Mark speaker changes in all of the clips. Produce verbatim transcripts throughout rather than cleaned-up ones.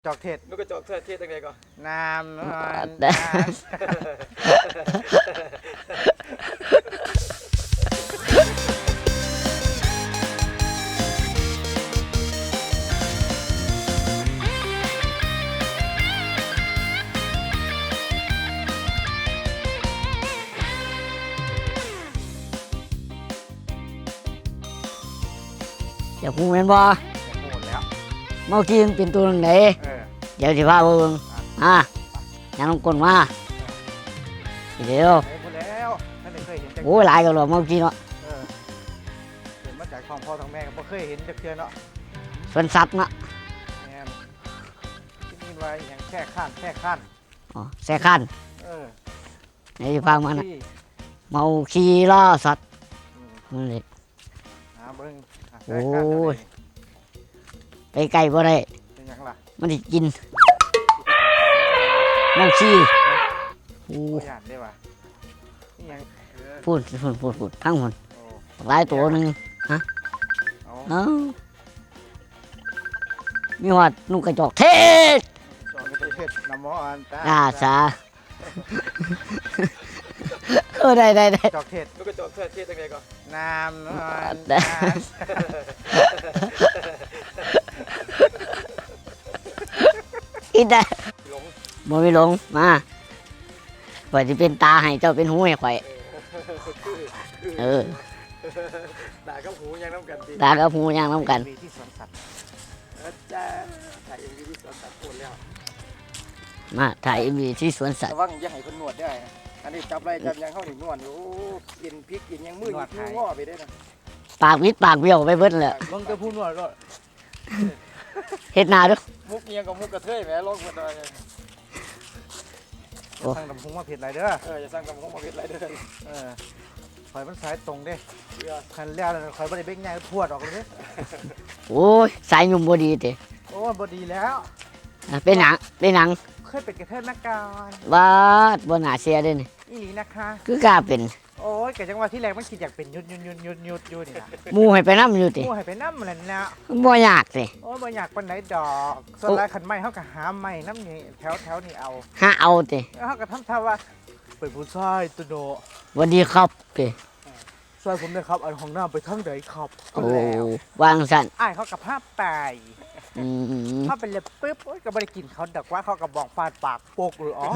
Speaker 1: จอกเทศ
Speaker 2: นกกระจอกเทศเทศยังไงก่อน
Speaker 1: น้ำนอน
Speaker 3: อยากพูดแม่นบ่
Speaker 1: หมดแล้ว
Speaker 3: เมื่อกี้มันเป็นตัวไหน
Speaker 1: เออ
Speaker 3: เดี๋ยวสิพาเบิ่งอ่ะยังลงกลมาเดี๋ยว
Speaker 1: ไปหมดแล้วท่านได้เคยเห็นจัก
Speaker 3: โอ้ยหลายกันหรอเมื่อกี้เนาะ
Speaker 1: เออเห็นมาจากท้องพ่อท้องแม่ก็บ่เคยเห็นจักเทื่อเนาะ
Speaker 3: สวนสัตว์เนาะ
Speaker 1: แม่นคิดนี่ว่าอย่างแค่ข้านแค่ข้าน
Speaker 3: อ๋อแซ่คัน
Speaker 1: เออ
Speaker 3: ไหนสิพามานะเมาขี่ล่อสัตว์นั่นแหละ
Speaker 1: หาเบิ่ง
Speaker 3: โอ้ยไปไกลบ่ได้
Speaker 1: เป็นหยังล่ะ
Speaker 3: มันสิกินน้ำขี้โอ้
Speaker 1: ยย่านได้ว่ะนี่หยัง
Speaker 3: พูดพูดพูดพูดทั้งหมด
Speaker 1: โอ้
Speaker 3: หลายตัวหนึงฮะเอ้ามีหอดนุ่งกระจอกเทศ
Speaker 1: จอกเทศน้ำมออันตา
Speaker 3: อ่าสาเออได้ได้ได้
Speaker 1: จอกเทศ
Speaker 2: นกกระจอกเทศเทศยังไงก่อน
Speaker 1: น้ำนอน
Speaker 3: อีได้
Speaker 2: หลง
Speaker 3: บ่มีหลงมาข่อยสิเป็นตาให้เจ้าเป็นหูให้ข่อยเออ
Speaker 2: ด่ากับหูยังน้ำกันดี
Speaker 3: ตากับหูย่างน้ำกัน
Speaker 1: มีที่สวนสัตว์
Speaker 2: อาจารย์ถ่ายเอ็มวีที่สวนสัตว์โคตรแล้ว
Speaker 3: มาถ่ายเอ็มวีที่สวนสัตว์
Speaker 2: ระวังอย่าให้คนนวดได้อันนี้จับอะไรจับยังเข้าถึงนวดอยู่กินพริกกินยังมือกินง้อไปได้นะ
Speaker 3: ปากวิดปากเบี้ยวไปเบิดเลย
Speaker 1: ลงจะพูดนวดก็
Speaker 3: เฮ็ดหน้าดู
Speaker 2: มุกเงียงกับมุกกระเทยแหมลงมาได้
Speaker 1: สั่งตำพุงมาเผ็ดไรเด้อ
Speaker 2: เออจะสั่งตำพุงมาเผ็ดไรเด้อ
Speaker 1: เออข่อยมันสายตรงเด้คันแล้วข่อยบ่ได้เบ่งใหญ่พวดออกเลยเด้
Speaker 3: โอ้ยสายหนุ่มบ่ดีติ
Speaker 1: โอ้บ่ดีแล้ว
Speaker 3: เป็นหนังเป็นหนัง
Speaker 1: เคยเป็นกระเทยมาก่อน
Speaker 3: บาดบ่น่าเสียเด้นี่
Speaker 1: อีหลีนะคะ
Speaker 3: คือกล้าเป็น
Speaker 1: โอ้ยกะจังว่าที่แรกมันคิดอยากเป็นยุดยุดยุดยุดยุดอยู่นี่นะ
Speaker 3: หมู่ให้ไปนำอยู่ติ
Speaker 1: หมู่ให้ไปนำนั่นน่ะ
Speaker 3: บ่ยากติ
Speaker 1: โอ้ยบ่อยากปานไหนดอกส่วนหลายคันไม้เฮาก็หาไม้นำนี่แถวๆนี่เอา
Speaker 3: หาเอาติ
Speaker 1: เฮาก็ทำท่าว่าเป็นผู้ชายตุโน
Speaker 3: สวัสดีครับติ
Speaker 1: ช่วยผมด้วยครับอันห้องน้ำไปทางใดครับ
Speaker 3: โอ้วางซั่น
Speaker 1: อ้ายเขาก็พาไป
Speaker 3: อืม
Speaker 1: พาไปเลยปึ๊บโอ้ยก็บ่ได้กินเขาดอกว่าเขาก็บอกฟาดปากโปกหรืออ๋อ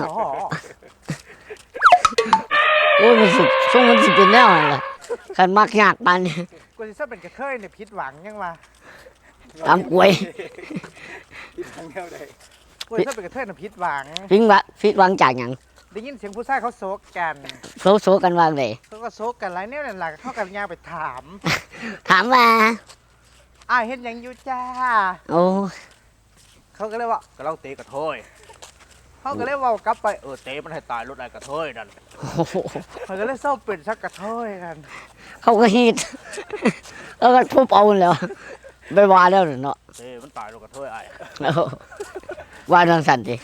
Speaker 3: โอ้ยมันสุดช่วงมันสิเป็นแนวนั่นล่ะคันมักยากปานนี้
Speaker 1: กูสิซะเป็นกระเทยเนี่ยผิดหวังยังว่า
Speaker 3: ตามกล้วย
Speaker 2: ผิดหวังแนวใด
Speaker 1: กูสิซะเป็นกระเทยเนี่ยผิดหวัง
Speaker 3: ผิดหวังผิดหวังจากหยัง
Speaker 1: ได้ยินเสียงผู้ชายเขาโซกกัน
Speaker 3: โซโซกันว่าได
Speaker 1: เขาก็โซกกันหลายแนวนั่นล่ะเขากันย่างไปถาม
Speaker 3: ถามว่า
Speaker 1: อ้ายเฮ็ดหยังอยู่จ้า
Speaker 3: โอ้
Speaker 1: เขาก็เลยว่าก็เราเตะกระเทยเขาก็เลยว่ากลับไปเออเตะมันให้ตายรถไอ้กระเทยนั่นเขาก็เลยเศร้าเป็นชักกระเทยกัน
Speaker 3: เขาก็ฮีดแล้วก็ทุบเอาแล้วไปว่าแล้วเนาะ
Speaker 1: เตะมันตายรถกระเทยไอ้
Speaker 3: ว่าทางสั่นสิ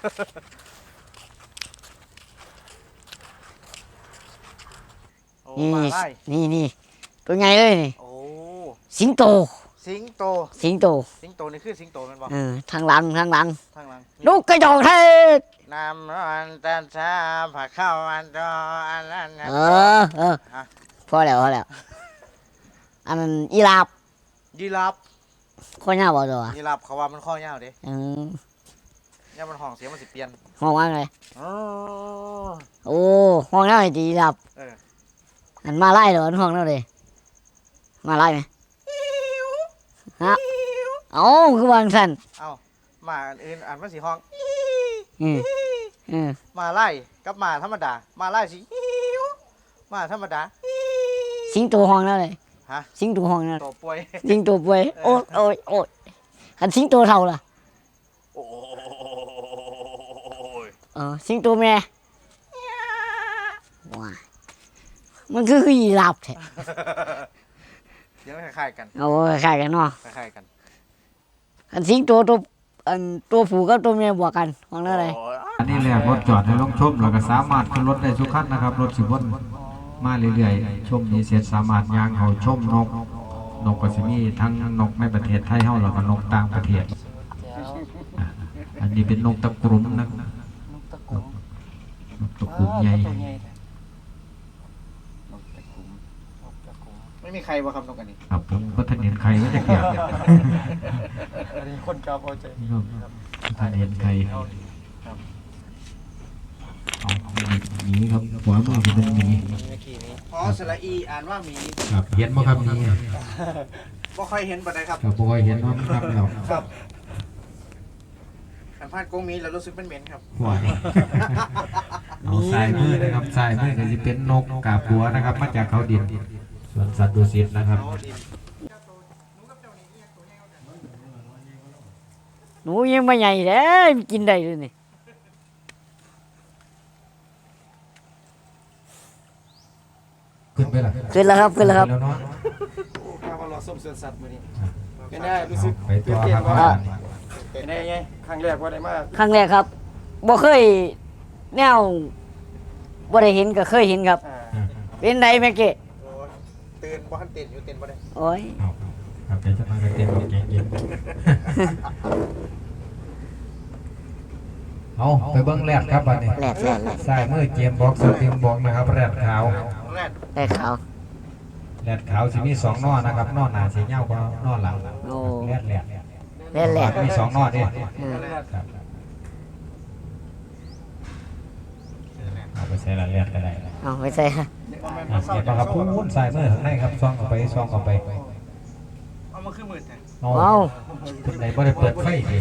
Speaker 3: นี่นี่นี่ตัวไงเลยนี่
Speaker 1: โอ้
Speaker 3: สิงโต
Speaker 1: สิงโต
Speaker 3: สิงโต
Speaker 1: สิงโตนี่คือสิงโตมันบอก
Speaker 3: เออทางหลังทางหลัง
Speaker 1: ทางหลัง
Speaker 3: ลูกกระจอกเทศ
Speaker 1: น้ำร้อนตันชาผักข้าวมันรออันนั้น
Speaker 3: เออเออพอแล้วพอแล้วอันนั้นอีลาบ
Speaker 1: ยีราฟ
Speaker 3: ข้อยาวบ่ตัว
Speaker 1: ยีราฟเขาว่ามันข้อยาวเด้
Speaker 3: อืม
Speaker 1: เนี่ยมันห้องเสียงมันสิเปลี่ยน
Speaker 3: ห้องว่าไง
Speaker 1: โอ้
Speaker 3: โอ้ห้องนั่นไอ้ยีราฟ
Speaker 1: เออ
Speaker 3: อันมาไล่เหรอห้องนั่นเลยมาไล่ไหมฮะเอ้าคือวางสั่น
Speaker 1: เอ้ามาอื่นอ่านมันสิห้อง
Speaker 3: อืมอืม
Speaker 1: มาไล่กับมาธรรมดามาไล่สิมาธรรมดา
Speaker 3: สิงโตห้องนั่นเลย
Speaker 1: ฮะ
Speaker 3: สิงโตห้องนั่น
Speaker 1: โตป่วย
Speaker 3: สิงโตป่วยโอ้โอ้โอ้คันสิงโตเท่าล่ะ
Speaker 1: โอ้
Speaker 3: ยเออสิงโตแม่ว้ามันคือคือยีราฟแท้
Speaker 1: เดี๋ยวคล้ายๆกัน
Speaker 3: โอ้คล้ายกันเนาะ
Speaker 1: คล้ายๆกัน
Speaker 3: อันสิงโตตัวอันตัวผู้กับตัวเมียบวกกันว่านั่นเลย
Speaker 4: อันนี้แหละรถจอดให้ลงชมแล้วก็สามารถขึ้นรถได้ทุกคันนะครับรถสิบวนมาเรื่อยๆชมนี้เสร็จสามารถย่างเขาชมนกนกก็สิมีทั้งนกในประเทศไทยเฮาแล้วก็นกต่างประเทศนี้เป็นนกตะกรุมนะ
Speaker 2: นกตะกุ่ม
Speaker 4: นกตะกรุมใหญ่
Speaker 2: ตัวใหญ่แท้นกตะกุ่มนกตะกุ่มไม่มีใครว่าคำนกอันนี้
Speaker 4: ครับผมก็ท่านเห็นใครก็จะเกี่ยว
Speaker 2: อันนี้คนเก่าพอใจ
Speaker 4: ท่านเห็นใคร
Speaker 2: เอา
Speaker 4: เอาหมีครับขวามือจะเป็นหมี
Speaker 2: เมื่อกี้นี้
Speaker 1: พอสระอีอ่านว่าหมี
Speaker 4: ครับเห็นบ่ครับหมี
Speaker 1: บ่ค่อยเห็นปานใดครับ
Speaker 4: ครับบ่ค่อยเห็นเนาะครับแล้ว
Speaker 1: ครับขันพลาดกงมีแล้วรู้สึกเป็นเหม็นครับ
Speaker 4: หวายเอาสายมือนะครับสายมือก็จะเป็นนกกาบบัวนะครับมาจากเขาดินส่วนสัตว์ดุสิตนะครับ
Speaker 3: หนูยังไม่ใหญ่เลยกินได้เลยนี่
Speaker 4: ขึ้นไปล่ะ
Speaker 3: ขึ้นแล้วครับขึ้นแล้วครับ
Speaker 4: แล้วเนาะ
Speaker 2: ข้าวรอส้มเสือสัตว์มื้อนี้เป็นได้รู้สึก
Speaker 4: ไปตัวครับ
Speaker 3: อ่ะ
Speaker 2: เป็นได้ไงครั้งแรกว่าได้มา
Speaker 3: ครั้งแรกครับบ่เคยแนวบ่ได้เห็นก็เคยเห็นครับ
Speaker 2: อ่า
Speaker 3: เป็นไดแม่เกะ
Speaker 1: โอ้ยตื่นบ่ทันตื่นอยู่ตื่นบ่ได้
Speaker 3: โอ้ย
Speaker 4: เอาครับเดี๋ยวจะมากระเต็มแกงเย็นเอาไปเบิ้งแรดครับบัดนี้
Speaker 3: แหลกแหลกแหลก
Speaker 4: สายมือเกมบ็อกซ์สติงบ็อกนะครับแรดขาว
Speaker 1: แรก
Speaker 3: แหลกขาว
Speaker 4: แรดขาวสิมีสองนอนะครับนอหน้าสีเงากว่านอหลัง
Speaker 3: โอ้
Speaker 4: แรดแรด
Speaker 3: แหลกแหลก
Speaker 4: มีสองนอดิ
Speaker 3: เออ
Speaker 4: ครับเอาไปใส่ละแรดก็ได้นะ
Speaker 3: เอาไปใส่ครับ
Speaker 4: อ่ะเก็บมาครับพูนสายมือข้างในครับซองเข้าไปซองเข้าไป
Speaker 1: เอามาคือหมื่นแทน
Speaker 4: เอา
Speaker 3: เอา
Speaker 4: คนไหนบ่ได้เปิดไฟดิ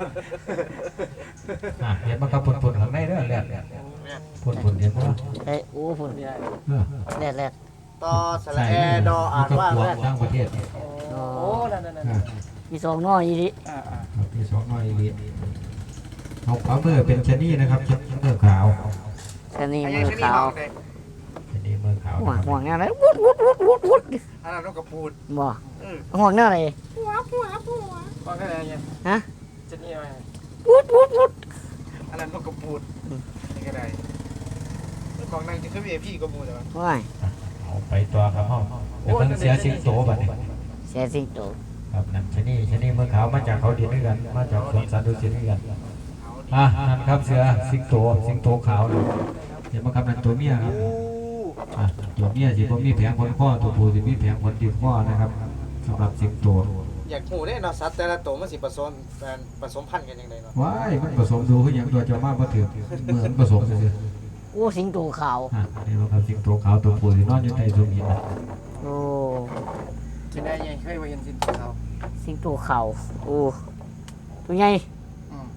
Speaker 4: อ่ะเห็นมาครับปุ่นๆข้างในเด้อแรดปุ่นๆเห็นบ่
Speaker 3: เอ้ยโอ้ฝุ่น
Speaker 4: เออ
Speaker 3: แหลกแหลก
Speaker 1: ต่อสระแอดออ่านว่า
Speaker 4: แร
Speaker 1: แร
Speaker 4: ด
Speaker 1: ก
Speaker 4: ทั้งประเทศ
Speaker 3: โอ้
Speaker 2: โอ้นั่นนั่น
Speaker 4: อ่ะ
Speaker 3: มีสองน้อยอีดิ
Speaker 2: อ่าอ่า
Speaker 4: ครับมีสองน้อยอีกเอาขวามือเป็นชะนีนะครับชะนีมือขาว
Speaker 3: ชะนี
Speaker 1: อัน
Speaker 3: มื
Speaker 1: นี้
Speaker 3: อ
Speaker 1: ชนิด
Speaker 3: ขาว
Speaker 1: มากเลย
Speaker 4: ชะนีมือขาว
Speaker 3: ห่วงห่วงแนวไหนวุดวุดวุดวุดวุด
Speaker 1: อันนั้นนกกระปูด
Speaker 3: บ่
Speaker 1: เออ
Speaker 3: ห่วงแนวไหน
Speaker 2: ว่าก็ได้ไง
Speaker 3: ฮะ
Speaker 2: จะนี่ว่า
Speaker 3: วุดวุดวุด
Speaker 1: อันนั้นนกกระปูดนี่ก็ได้ของนั่งจะขึ้นเอพี่กระปูดแต่ว่า
Speaker 3: ว้าย
Speaker 4: เอาไปตัวครับห้องเดี๋ยวเพิ่งเสียสิงโตบัดนี้
Speaker 3: เสียสิงโต
Speaker 4: ครับนั่นชะนีชะนีมือขาวมาจากเขาดินด้วยกัน มาจากสวนสัตว์ดุสิตด้วยกันอ่ะนั่นครับเสือสิงโตสิงโตขาวนะเดี๋ยวมาครับนั่นตัวเมียครับอ่ะตัวเมียสิบ่มีแผงขนข้อตัวผู้สิมีแผงขนติดข้อนะครับสำหรับสิงโต
Speaker 1: อยากหูได้เนาะสัตว์แต่ละตัวมันสิผสมกันผสมพันธุ์กันยังไงเนาะ
Speaker 4: ว้ายมันผสมดูคืออย่างตัวเจ้ามาบ่ถือเหมือนผสมซื่อ
Speaker 3: โอ้สิงโตขาว
Speaker 4: ๆอ่ะนี่เราครับสิงโตขาวตัวผู้ที่นอนอยู่ใต้ซุ้มหินนะ
Speaker 3: โอ้
Speaker 2: จะได้ไงเคยว่าเห็นสินเขา
Speaker 3: สิงโตขาวโอ้ตัวใหญ่
Speaker 2: อืม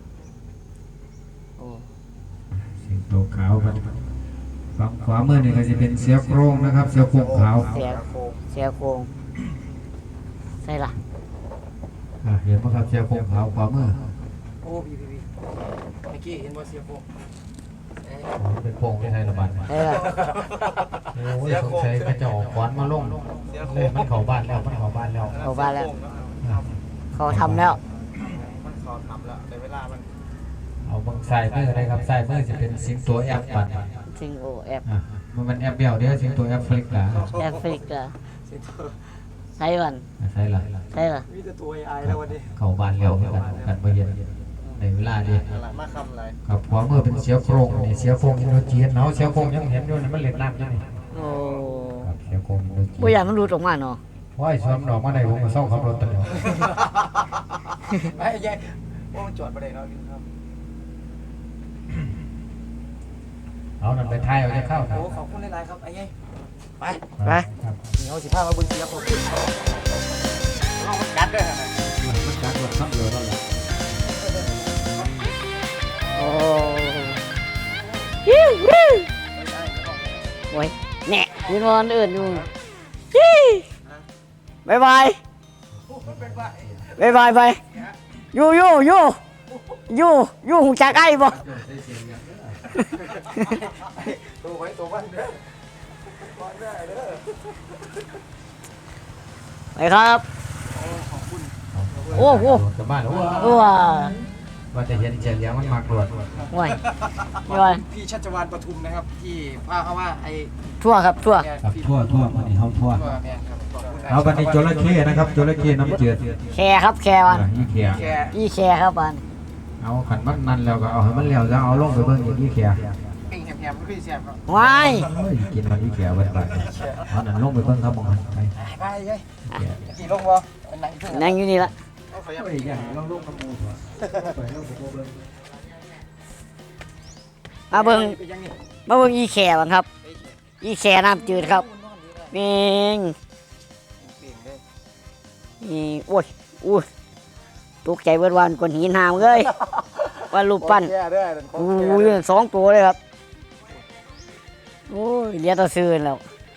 Speaker 3: โอ้
Speaker 4: สิงโตขาวครับฝั่งขวามือนี่ก็จะเป็นเสือโคร่งนะครับ เสือโคร่งขาว
Speaker 3: เสีย
Speaker 1: โคม
Speaker 3: เสียโครงใช่ล่ะ
Speaker 4: อ่ะเห็นไหมครับเสือโคร่งขาวขวามือ
Speaker 2: โอ้พี่พี่พี่เมื่อกี้เห็นว่าเสียโฟก
Speaker 4: อ๋อเป็นโป่งที่ไทยระบาด
Speaker 3: ใช่ล่ะ
Speaker 4: โอ้ยสงสัยมันจะออกขวานมาลงเลยมันเข้าบ้านแล้วมันเข้าบ้านแล้ว
Speaker 3: เขาบ้านแล้ว เขาทำแล้ว
Speaker 1: มันขอทำแล้วแต่เวลามัน
Speaker 4: เอาบางสายมือเลยครับสายมือจะเป็นสิงโตแอปปัด
Speaker 3: สิงโอแอป
Speaker 4: อ่ะมันเป็นแอปเบี้ยวเด้อสิงโตแอปฟลิกล่ะ
Speaker 3: แอฟริกาใช่วัน
Speaker 4: ใช่ล่ะ
Speaker 3: ใช่ล่ะ
Speaker 2: มีแต่ตัวไอแล้ววันนี้
Speaker 4: เข้าบ้านแล้วเหมือนกันกันบ่เย็นในเวลาดี
Speaker 1: อะไรมาคำอะไร
Speaker 4: ครับขวามือเป็นเสือโคร่งนี่เสือโคร่งอินโดจีนเนาะเสือโคร่งยังเห็นอยู่นี่มันเล่นน้ำอยู่นี่
Speaker 3: โอ้
Speaker 4: ครับเสือโคร่งอินโดจีน
Speaker 3: บ่อยากมันรูดออกมาเนาะ
Speaker 4: ว้ายสวมดอกมาได้ผมก็เศร้าขับรถตลอด
Speaker 2: ไอ้ยัยว่ามันจอดประเดี๋ยวเราอยู่ครับ
Speaker 4: เอานั่นไปทายเอาจะเข้า
Speaker 2: โอ้ขอบคุณหลายๆครับไอ้ยัยไป
Speaker 3: ไป
Speaker 4: ครับ
Speaker 2: เหนียวสิผ้ามาเบึงเสียผม
Speaker 1: ลองมันกัดด้วยนะ
Speaker 4: มันจักรถขับเรือแล้วล่ะ
Speaker 3: โอ้ฮิ้วฮิ้วโอ้ยแหน่ยืนวันอื่นอยู่ฮิบายบายบายบายไปอยู่อยู่อยู่อยู่อยู่หูจักไอ้บ่
Speaker 2: ตัวไว้ตัวบ้านเด้อ
Speaker 3: ไปครับ โอ้โห
Speaker 4: กลับบ้านแล้ว
Speaker 3: ตัว
Speaker 4: ว่าจะเห็นเจียงเลี้ยงมันมากรวด
Speaker 3: ห่วยย่อย
Speaker 2: พี่ชัชวานปทุมนะครับ ที่พาเขาว่าไอ้
Speaker 3: ทั่วครับทั่ว
Speaker 4: ครับทั่วทั่วมันนี่เฮาทั่ว
Speaker 2: ตัวแมนครับขอบคุณ
Speaker 4: เอาบันนี้จระเข้นะครับจระเข้น้ำเจือด
Speaker 3: แคร์ครับแคร์วัน
Speaker 4: อ่ะอีเขีย
Speaker 2: แค่
Speaker 3: พี่แคร์ครับวัน
Speaker 2: แ
Speaker 4: เอาขันมันนั่นแล้วก็เอาให้มันแล้วจะเอาลงไปเบิ่งอย่างนี้แข
Speaker 2: ปิ้งแหมๆมันคือแซ่บครับ
Speaker 3: ว้าย
Speaker 4: เฮ้ยกินมันอีแขเบิ่งไปเอานั่นลงไปเบิ่งครับมองหันไป
Speaker 2: ไปเลยกี่ลงบ่นั่งอยู่
Speaker 3: นั่งอยู่นี่ละ
Speaker 2: เอาขยับ
Speaker 4: เฮ้ยอย่างลงลงกับหมูไปลงกับหมูเบิ่ง
Speaker 3: มาเบิ่ง
Speaker 2: ไปยังนี่
Speaker 3: มาเบิ่งอีแขบังครับ อีแขน้ำจืดครับเมง
Speaker 2: ปิ้งเลย
Speaker 3: นี่โอ้ยอุ้ยตกใจเบิดวันกวนหินหามเลยว่ารูปปั้น
Speaker 2: แก่เด้อของ
Speaker 3: อู้
Speaker 2: แก่เด้อย
Speaker 3: สองตัวเลยครับโอ้ยเดี๋ยวตะซื้อแล้ว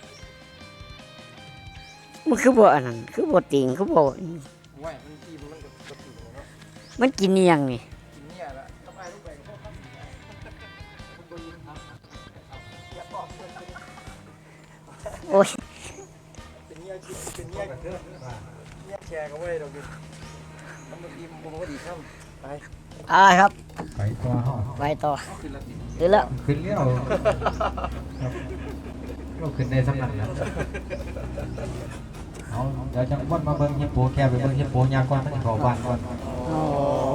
Speaker 3: มันคือบ่อันนั้นคือบ่ติงคือบ่
Speaker 2: ว้ายมันกินมันก็กระตุ้นเนาะ
Speaker 3: มันกินเนียงนี่
Speaker 2: กินเนี่ยละต้องไปลูกไปกับพ่อครับบ่ยิงครับอย่าบอกเพิ่นเป็น
Speaker 3: โอ้ย
Speaker 2: เป็นเนี่ยคิดเป็นเนี่ยเนี่ยแชร์ก็บ่ได้ดอกดิมันบ่ดีมันบ่ดีครับไป
Speaker 3: เอะไรครับ
Speaker 4: ไปต่อเฮา
Speaker 3: ไปต่อ
Speaker 2: ขึ้นละติ
Speaker 3: ถึงแล้ว
Speaker 4: ขึ้นเลี้ยวเราขึ้นได้สำนักแล้วเอาเดี๋ยวจังวนมาเบิ่งฮิปโปแค่ไปเบิ่งฮิปโปยากกว่ามันเข้าบ้านก่อน
Speaker 3: โอ้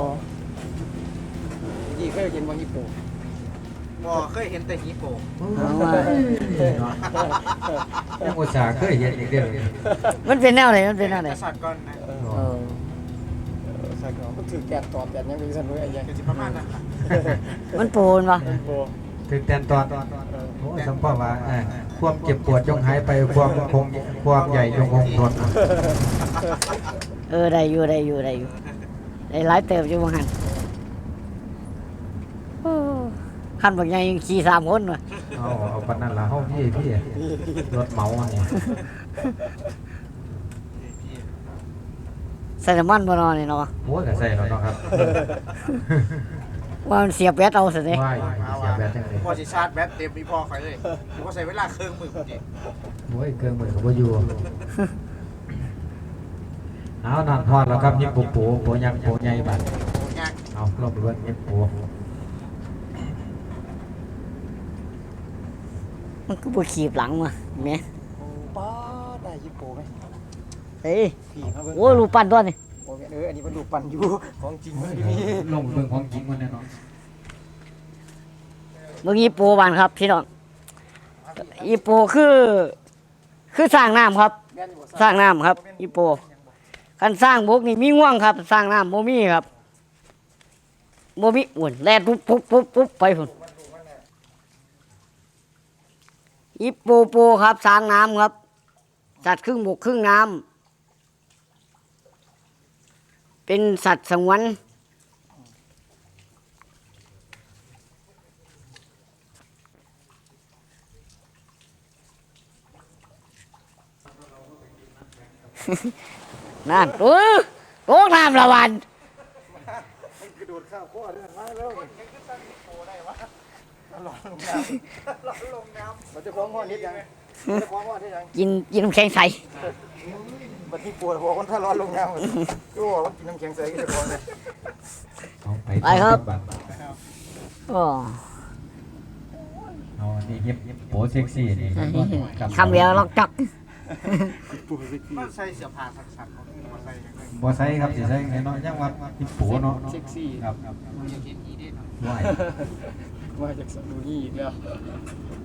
Speaker 2: ยี่เคยกินบ่ฮิปโปบ่เคยเห็นแต่ฮิปโป
Speaker 3: เอามา
Speaker 4: ยังอุตส่าห์เคยเห็นอีกเด้อ
Speaker 3: มันเป็นแนวไหนมันเป็นแนวไหน
Speaker 2: กษัตริย์ก่อนนะ
Speaker 3: เออ
Speaker 2: สักเนาะมันถือแกนตอดแกนยังเป็นซั่นเว้ยไอ้ยังก็สิประมาณนั้นล่ะ
Speaker 3: มันปูนปะ
Speaker 2: โป
Speaker 4: ถึงแตนตอนโอ้สัมภาว่าเอ่อความเจ็บปวดจงหายไปความคงความใหญ่จงคงทน
Speaker 3: เออได้อยู่ได้อยู่ได้อยู่ได้หลายเติบอยู่บางหันโอ้ขันบางอย่างยังขี่สามคนวะ
Speaker 4: เอาเอาปานนั้นล่ะเฮาพี่พี่รถเหมาอันนี้
Speaker 3: ใส่น้ำมันบนอนนี่เนาะ
Speaker 4: โอ้ยก็ใส่แล้วเนาะครับ
Speaker 3: ว่ามันเสียบแบตเอาสิเนี่ย
Speaker 4: ว้ายเสียแบบจังได๋
Speaker 2: พอสิชาร์จแบตเต็มมีพอข่อยเลยกูก็ใช้เวลาครึ่งมื้อพุ่นดิ
Speaker 4: โอ้ยเครื่องมือก็บ่อยู่เอานั่นฮอดแล้วครับยิบปูปูปูยักษ์ปูใหญ่บัด
Speaker 2: โอ้ยาก
Speaker 4: เอาลงไปเบิ่งยิบปู
Speaker 3: มันก็บ่ขีบหลังมาเห็นไหม
Speaker 2: ป้าได้ฮิปโปไหม
Speaker 3: เฮ้ย
Speaker 2: พี่มาเบิ่ง
Speaker 3: โอ้ยรูปปั้นตัวนี่
Speaker 2: โอ้ยเอออันนี้มันดูปั่นอยู่ของจริงมันมี
Speaker 4: ลงไปเบิ่งของจริงมันแน่นอน
Speaker 3: เมื่อกี้ปูบานครับพี่น้องอีโปคือ คือสร้างน้ำครับ
Speaker 2: แม่นอยู่บ่
Speaker 3: สร้างน้ำครับ อีโปคันสร้างบกนี่มีง่วงครับ สร้างน้ำโมมีครับโมมีอุ่นแล่นปุ๊บปุ๊บปุ๊บปุ๊บไปพุ่นอีโปโปครับสร้างน้ำครับ สัตว์ครึ่งบกครึ่งน้ำเป็นสัตว์สงวนนั่นเออโอ้น้ำละวัน
Speaker 2: กระโดดข้าวโคตรเรื่องมาแล้วยังคือสร้างฮิปโปได้วะร้อนลงน้ำร้อนลงน้ำมันจะคล้องห้อนิดยังมันจะคล้องห้อนิดยัง
Speaker 3: กินกินน้ำแข็งใส
Speaker 2: บัดนี้ปวดหัวคนถ้าร้อนลงน้ำก็บอกว่ากินน้ำแข็งใสก็จะคล้องเลย
Speaker 4: เอาไป
Speaker 3: ไปครับ
Speaker 4: บัด
Speaker 3: อ๋อ
Speaker 4: เอาอันนี้ยิบโปเซ็กซี่นี่กับ
Speaker 3: คำเดียวล็อกจับ
Speaker 2: มันใส่เสื้อผ้าสักๆมันใส่ยังไง
Speaker 4: บ่ใส่ครับสิใส่น้อยๆจังว่ายิบโปเนาะ
Speaker 2: เซ็กซี่
Speaker 4: ครับ
Speaker 2: มันจะเห็นอีเด้เนาะ
Speaker 4: ว้าย
Speaker 2: มาจากสตูนี่อีกแล้ว